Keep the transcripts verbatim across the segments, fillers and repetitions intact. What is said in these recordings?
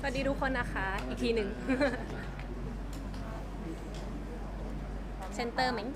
วัสดีทุกคนนะคะอีกทีหนึ่ง เซนเตอร์ไหม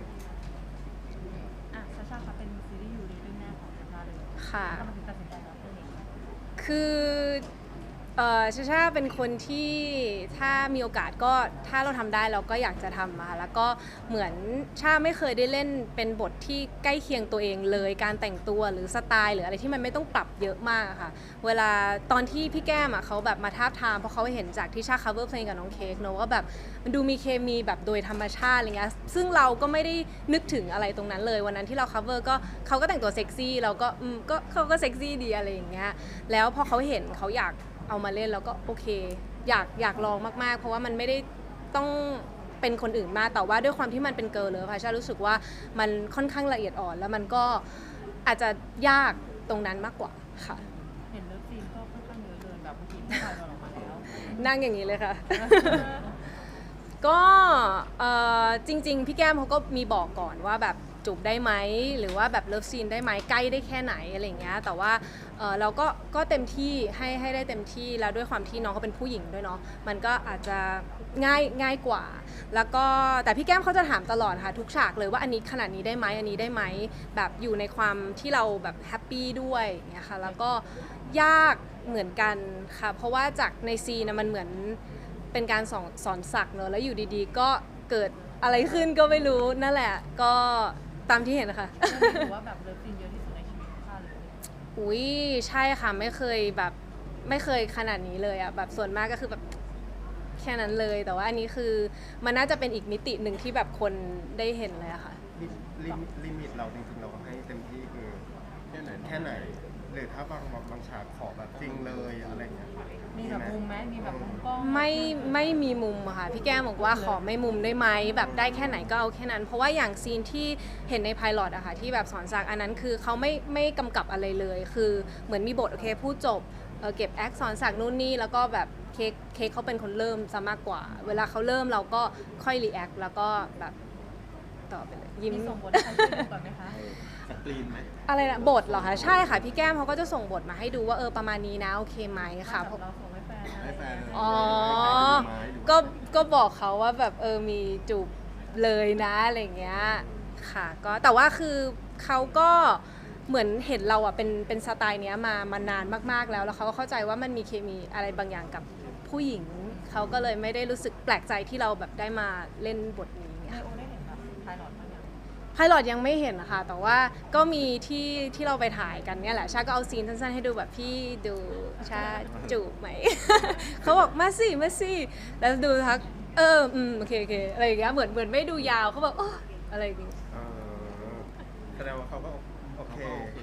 อ่ะชาชาค่ะเป็นซีรีส์ยูริเรื่องแรกของชาชาเลยค่ะทำไมถึงตัดสินใจรับเรื่องนี้คือเออชาชาเป็นคนที่ถ้ามีโอกาสก็ถ้าเราทำได้เราก็อยากจะทำมาแล้วก็เหมือนชาไม่เคยได้เล่นเป็นบทที่ใกล้เคียงตัวเองเลยการแต่งตัวหรือสไตล์หรืออะไรที่มันไม่ต้องปรับเยอะมากอะค่ะเวลาตอนที่พี่แก้มอะเขาแบบมาทาบทามเพราะเขาเห็นจากที่ชา cover เพลงกับน้องเค้กเนอะว่าแบบมันดูมีเคมีแบบโดยธรรมชาติอะไรเงี้ยซึ่งเราก็ไม่ได้นึกถึงอะไรตรงนั้นเลยวันนั้นที่เรา cover ก็เขาก็แต่งตัวเซ็กซี่เราก็อืมก็เขาก็เซ็กซี่ดีอะไรอย่างเงี้ยแล้วพอเขาเห็นเขาอยากเอามาเล่นแล้วก็โอเคอยากอยากลองมากๆเพราะว่ามันไม่ได้ต้องเป็นคนอื่นมากแต่ว่าด้วยความที่มันเป็นเกิร์ลเลิฟค่ะชารู้สึกว่ามันค่อนข้างละเอียดอ่อนแล้วมันก็อาจจะยากตรงนั้นมากกว่าค่ะเห็นเลิฟซีนก็ค่อนข้างเยอะเลยแบบเมื่อกี้ที่ถ่ายออกมาแล้วนั่งอย่างนี้เลยค่ะ ก็เอ่อจริงๆพี่แก้มเขาก็มีบอกก่อนว่าแบบจูบได้ไหมหรือว่าแบบเลิฟซีนได้ไหมใกล้ได้แค่ไหนอะไรอย่างเงี้ยแต่ว่าเอ่อเราก็ก็เต็มที่ให้ให้ได้เต็มที่แล้วด้วยความที่น้องเขาเป็นผู้หญิงด้วยเนาะมันก็อาจจะง่ายง่ายกว่า แล้วก็แต่พี่แก้มเขาจะถามตลอดค่ะทุกฉากเลยว่าอันนี้ขนาดนี้ได้ไหมอันนี้ได้ไหมแบบอยู่ในความที่เราแบบแฮปปี้ด้วยอย่างเงี้ยค่ะแล้วก็ยากเหมือนกันค่ะเพราะว่าจากในซีนนะมันเหมือนเป็นการสอนสอนสักเนอะแล้วอยู่ดีๆก็เกิดอะไรขึ้นก็ไม่รู้นั่นแหละก็ตามที่เห็นนะคะถือว่าแบบเลิฟซีนเยอะที่สุดในชีวิตชาเลยอุ้ยใช่ค่ะไม่เคยแบบไม่เคยขนาดนี้เลยอะแบบส่วนมากก็คือแบบแค่นั้นเลยแต่ว่าอันนี้คือมันน่าจะเป็นอีกมิติหนึ่งที่แบบคนได้เห็นเลยอะค่ะลิลิมิตลิมิตเราจริงๆเราให้เต็มที่คือแค่ไหนแค่ไหนหรือถ้าบางบางฉากขอแบบจริงเลยอะไรเงี้ยมีแบบมุมไหมมีแบบมุมกล้องไม่ไม่มีมุมอะค่ะพี่แก้มบอกว่าขอไม่มุมได้ไหมแบบได้แค่ไหนก็เอาแค่นั้น เพราะว่าอย่างซีนที่เห็นในไพลอตอะค่ะที่แบบสอนสักอันนั้นคือเขาไม่ไม่กำกับอะไรเลย คือเหมือนมีบทโอเคพูดจบเออเก็บแอคสอนสักนู่นนี่แล้วก็แบบเค้กเค้กเขาเป็นคนเริ่มซะมากกว่า เวลาเขาเริ่มเราก็ค่อยรีแอคแล้วก็แบบต่อไปเลยยิ้มมีส่งบทให้ใครช่วยดูก่อนไหมคะสกรีนไหมอะไรนะบทเหรอคะใช่ค่ะพี่แก้มเขาก็จะส่งบทมาให้ดูว่าเออประมาณนี้นะโอเคไหมค่ะแบบเราส่งให้แฟนนะให้แฟนอ๋อ ก็ก็บอกเขาว่าแบบเออมีจูบเลยนะอะไรเงี้ยค่ะก็แต่ว่าคือเขาก็เหมือนเห็นเราอ่ะเป็นเป็นสไตล์เนี้ยมามานานมากๆแล้วแล้วเขาก็เข้าใจว่ามันมีเคมีอะไรบางอย่างกับผู้หญิงเขาก็เลยไม่ได้รู้สึกแปลกใจที่เราแบบได้มาเล่นบทนี้เนโอได้เห็นแบบไพลอตบ้างยังไพลอตยังไม่เห็นนะคะแต่ว่าก็มีที่ที่เราไปถ่ายกันเนี่ยแหละชาก็เอาซีนสั้นๆให้ดูแบบพี่ดูชาจูบไหม เขาบอกมาสิมาสิแล้วดูทักเอออืมโอเคโอเคอะไรอย่างเงี้ยเหมือนเหมือนไม่ดูยาวเขาแบบโอ้อะไรอย่างเงี้ยเออแสดงว่าเขาก็โอเค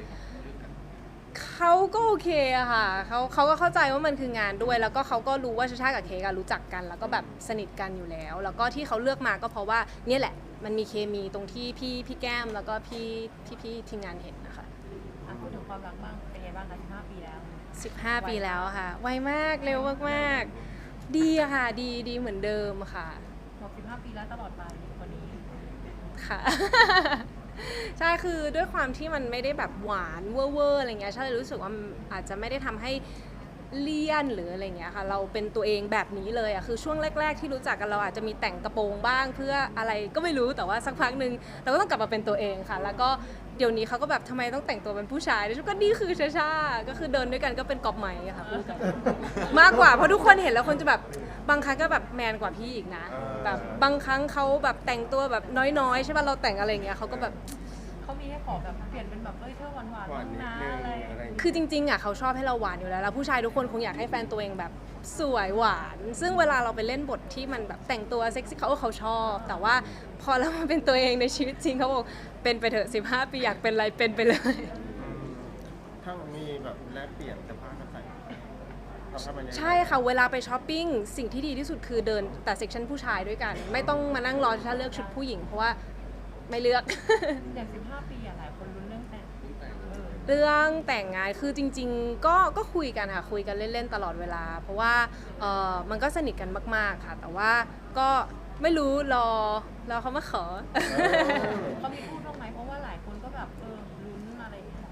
เขาก็โอเคอะค่ะเขาเขาก็เข้าใจว่ามันคืองานด้วย แล้วก็เขาก็รู้ว่าชาชากับเค้กอะรู้จักกัน แล้วก็แบบสนิทกันอยู่แล้ว แล้วก็ที่เขาเลือกมาก็เพราะว่าเนี่ยแหละมันมีเคมีตรงที่พี่พี่แก้มแล้วก็พี่พี่พี่ทีมงานเห็นนะคะอ่ะพูดถึงความรักบ้างเป็นไงบ้างคะสิบห้าปีแล้วสิบห้าปีแล้วค่ะไวมากเร็วมากๆดีอะค่ะดีดีเหมือนเดิมค่ะบอกสิบห้าปีแล้วตลอดไปวันนี้ค่ะ ใช่คือด้วยความที่มันไม่ได้แบบหวานเวอร์เวอร์อะไรเงี้ยใช่เลยรู้สึกว่ามันอาจจะไม่ได้ทำให้เลี่ยนหรืออะไรเงี้ยค่ะเราเป็นตัวเองแบบนี้เลยอะคือช่วงแรกๆที่รู้จักกันเราอาจจะมีแต่งกระโปรงบ้างเพื่ออะไรก็ไม่รู้แต่ว่าสักพักหนึ่งเราก็ต้องกลับมาเป็นตัวเองค่ะ แล้วก็เดี๋ยวนี้เขาก็แบบทำไมต้องแต่งตัวเป็นผู้ชายด้วยก็นี่คือชาชาก็คือเดินด้วยกันก็เป็นกอบไหมอะค่ะพูดกันมากกว่าเพราะทุกคนเห็นแล้วคนจะแบบบางครั้งก็แบบแมนกว่าพี่อีกนะแบบบางครั้งเขาแบบแต่งตัวแบบน้อยๆใช่ป่ะเราแต่งอะไรเงี้ยเขาก็แบบเขามีให้ขอแบบเปลี่ยนเป็นแบบเอ้ยเธอหวานหวานหวานนิดนะนึงอะไรอะไรอย่างเงี้ยคือจริงๆอ่ะเขาชอบให้เราหวานอยู่แล้วแล้วผู้ชายทุกคนคงอยากให้แฟนตัวเองแบบสวยหวาน ซึ่งเวลาเราไปเล่นบทที่มันแบบแต่งตัวเซ็กซี่เขาเขาชอบ แต่ว่าพอเรามาเป็นตัวเองในชีวิตจริงเขาบอกเป็นไปเถอะสิบห้าปีอยากเป็นอะไรเป็นไปเลยอืมถ้ามีแบบแลกเปลี่ยนเสื้อผ้าก็ใส่เอาเข้าไปในใช่ค่ะเวลาไปช้อปปิ้งสิ่งที่ดีที่สุดคือเดินแต่เซ็กชันผู้ชายด้วยกัน ไม่ต้องมานั่งรอถ้าเลือกชุดผู้หญิงเพราะว่าไม่เลือกอย่างสิบห้าปีอะหลายคนลุ้นเรื่องแต่งเออเรื่องแต่งงานคือจริงๆก็ก็คุยกันค่ะคุยกันเล่นๆตลอดเวลา เพราะว่าเออมันก็สนิทกันมากๆค่ะ แต่ว่าก็ไม่รู้รอรอเขามาขอเขามีพูดบ้างไหมเพราะว่าหลายคนก็แบบเออลุ้นอะไรอย่างเงี้ยเอ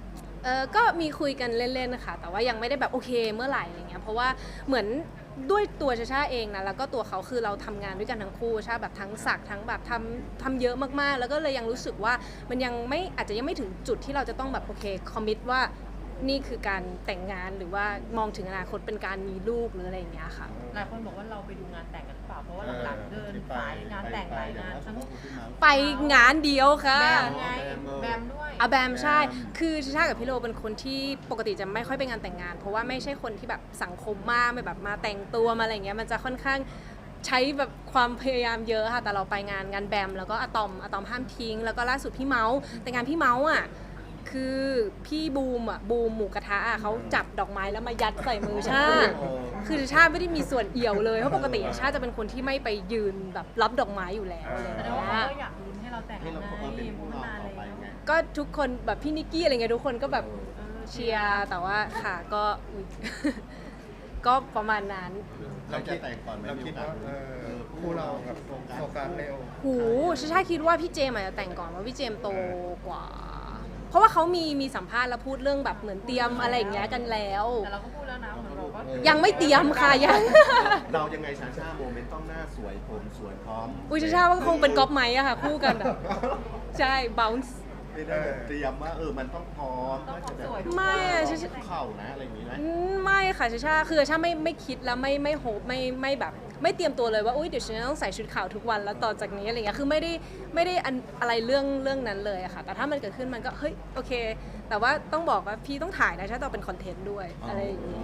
เออก็มีคุยกันเล่นๆนะคะแต่ว่ายังไม่ได้แบบโอเคเมื่อไหร่อะไรเงี้ยเพราะว่าเหมือนด้วยตัวชาชาเองนะแล้วก็ตัวเขาคือเราทำงานด้วยกันทั้งคู่ชาแบบทั้งสักทั้งแบบทำทำเยอะมากๆแล้วก็เลยยังรู้สึกว่ามันยังไม่อาจจะยังไม่ถึงจุดที่เราจะต้องแบบโอเคคอมมิตว่านี่คือการแต่งงานหรือว่ามองถึงอนาคตเป็นการมีลูกหรืออะไรอย่างเงี้ยค่ะหลายคนบอกว่าเราไปดูงานแต่งกันหรือเปล่าเพราะว่าหลังๆเดินสายงานแต่งหลายงานทั้งไปงานเดียวค่ะแบมไงแบมด้วยอาแบมใช่ คือชาชากับพี่โลเป็นคนที่ปกติจะไม่ค่อยไปงานแต่งงาน เพราะว่าไม่ใช่คนที่แบบสังคมมากไม่แบบมาแต่งตัวมาอะไรเงี้ย มันจะค่อนข้างใช้แบบความพยายามเยอะค่ะ แต่เราไปงานงานแบมแล้วก็อะตอมอะตอมห้ามทิ้ง แล้วก็ล่าสุดพี่เมาส์แต่งานพี่เมาส์อ่ะ คือพี่บูมอ่ะบูมหมูกระทะอ่ะเขาจับดอกไม้แล้วมายัดใส่มือชา คือชาไม่ได้มีส่วนเอี่ยวเลย เพราะปกติชาจะเป็นคนที่ไม่ไปยืนแบบรับดอกไม้อยู่แล้วอะไรแสดงเงี้ว่าเขายก็อยากลุ้นให้เราแต่งให้เรางานเออเป็นผู้เพราะนว่าอนนานต่อไปแล้วไงก็ทุกคนแบบพี่นิกกี้อะไรเงี้ยทุกคนก็แบบเชียร์แต่ว่าค่ะก็อุ๊ย ก็ประมาณนั้นเราจะแต่งก่อนไหมเราคิดว่าเออคู่เราแบบโฟกัสเร็วหูชาชาคิดว่าพี่เจมส์อาจจะแต่งก่อนเพราะพี่เจมส์โตกว่า เพราะว่าเขามีมีสัมภาษณ์แล้วพูดเรื่องแบบเหมือนเตรียมอะไรอย่างเงี้ยกันแล้วแต่เราก็พูดแล้วนะเหมือนบอกว่ายังไม่เตรียมค่ะยังเรายังไงชาชาโมเมนต์ต้องหน้าสวยผมสวยพร้อมอุ้ยชาชาว่าคงเป็นก๊อปไมค์อะค่ะคู่กันอะใช่ bounce ไม่ได้แบบเตรียมว่าเออมันต้องพร้อมต้องของจะสวยแบบไม่อะพร้ชาอมเข่านะอะไรอย่างนี้ไหมอืมไม่ค่ะชาชาคือชาไม่ไม่คิดแล้วไม่ไม่โฮปไม่ไม่แบบ ไม่เตรียมตัวเลยว่าอุ้ยเดี๋ยวฉันจะต้องใส่ชุดขาวทุกวันแล้วต่อจากนี้อะไรเงี้ยคือไม่ได้ไม่ได้อันอะไรเรื่องเรื่องนั้นเลยอะค่ะแต่ถ้ามันเกิดขึ้นมันก็เฮ้ยโอเค แต่ว่าต้องบอกว่าพี่ต้องถ่ายนะชาต้องเป็นคอนเทนต์ด้วยอะไรอย่างงี้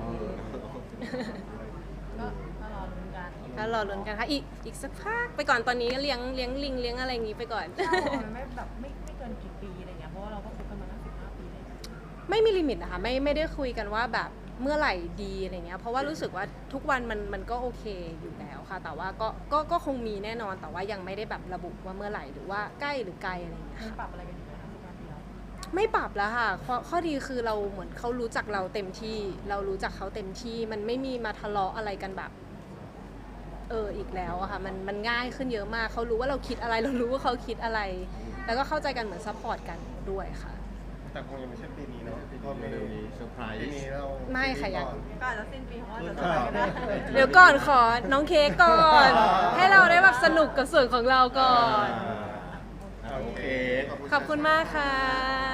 ก็มารอลุ้นกันแล้วรอลุ้นกันค่ะอีกอีกสักพักไปก่อนตอนนี้เลี้ยงเลี้ยงลิงเลี้ยงอะไรอย่างงี้ไปก่อนเจ้ามันไม่แบบไม่ไม่เกินกี่ปีอะไรเงี้ยเพราะว่าเราก็คบกันมาตั้งสิบห้าปีเลยไม่มีลิมิตนะคะไม่ไม่ได้คุยกันว่าแบบเมื่อไหร่ดีอะไรเงี้ยเพราะว่ารู้สึกว่าทุกวันมันมันก็โอเคอยู่แล้วค่ะ แต่ว่าก็ก็ก็คงมีแน่นอนแต่ว่ายังไม่ได้แบบระบุว่าเมื่อไหร่หรือว่าใกล้หรือไกลอะไรเงี้ยมันค่ะปรับอะไรกันอยู่ไหมคะสิบห้าปีแล้วไม่ปรับแล้วค่ะข้อข้อดีคือเราเหมือนเขารู้จักเราเต็มที่ เรารู้จักเขาเต็มที่มันไม่มีมาทะเลาะอะไรกันแบบเอออีกแล้วอะค่ะมันมันง่ายขึ้นเยอะมากเขารู้ว่าเราคิดอะไรเรารู้ว่าเขาคิดอะไร แล้วก็เข้าใจกันเหมือนซัพพอร์ตกันด้วยค่ะแต่คงยังไม่ใช่ปีนี้เนาะก็ไม่เร็วๆนี้เซอร์ไพรส์ปีนี้เราไม่ค่ะยังก็อาจจะสิ้นปีเพราะว่าจะเออไปก็ได้เดี๋ยวก่อนขอน้องเค้กก่อน ให้เราได้แบบสนุกกับส่วนของเราก่อนโอเคขอบคุณมากค่ะ